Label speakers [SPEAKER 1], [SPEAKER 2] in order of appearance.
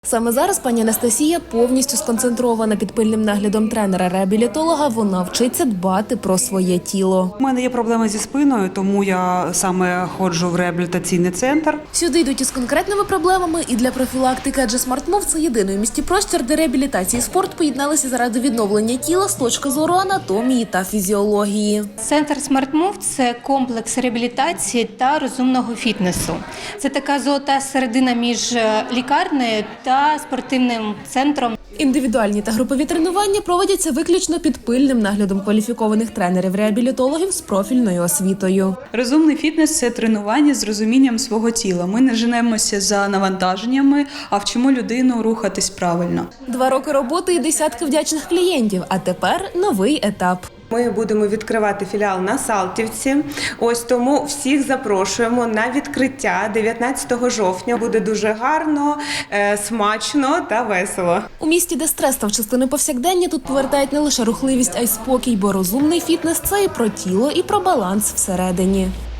[SPEAKER 1] Саме зараз пані Анастасія повністю сконцентрована під пильним наглядом тренера-реабілітолога. Вона вчиться дбати про своє тіло.
[SPEAKER 2] У мене є проблеми зі спиною, тому я саме ходжу в реабілітаційний центр.
[SPEAKER 1] Сюди йдуть із конкретними проблемами і для профілактики, адже SmartMove – це єдиний у місті простір, де реабілітація і спорт поєдналися заради відновлення тіла з точки зору анатомії та фізіології.
[SPEAKER 3] Центр SmartMove – це комплекс реабілітації та розумного фітнесу. Це така золота середина між лікарнею та спортивним центром.
[SPEAKER 1] Індивідуальні та групові тренування проводяться виключно під пильним наглядом кваліфікованих тренерів-реабілітологів з профільною освітою.
[SPEAKER 4] Розумний фітнес – це тренування з розумінням свого тіла. Ми не женемося за навантаженнями, а вчимо людину рухатись правильно.
[SPEAKER 1] 2 роки роботи і десятки вдячних клієнтів, а тепер новий етап.
[SPEAKER 5] Ми будемо відкривати філіал на Салтівці. Ось тому всіх запрошуємо на відкриття 19 жовтня. Буде дуже гарно, смачно та весело.
[SPEAKER 1] У місті, де стрес став частиною повсякдення, тут повертають не лише рухливість, а й спокій, бо розумний фітнес – це і про тіло, і про баланс всередині.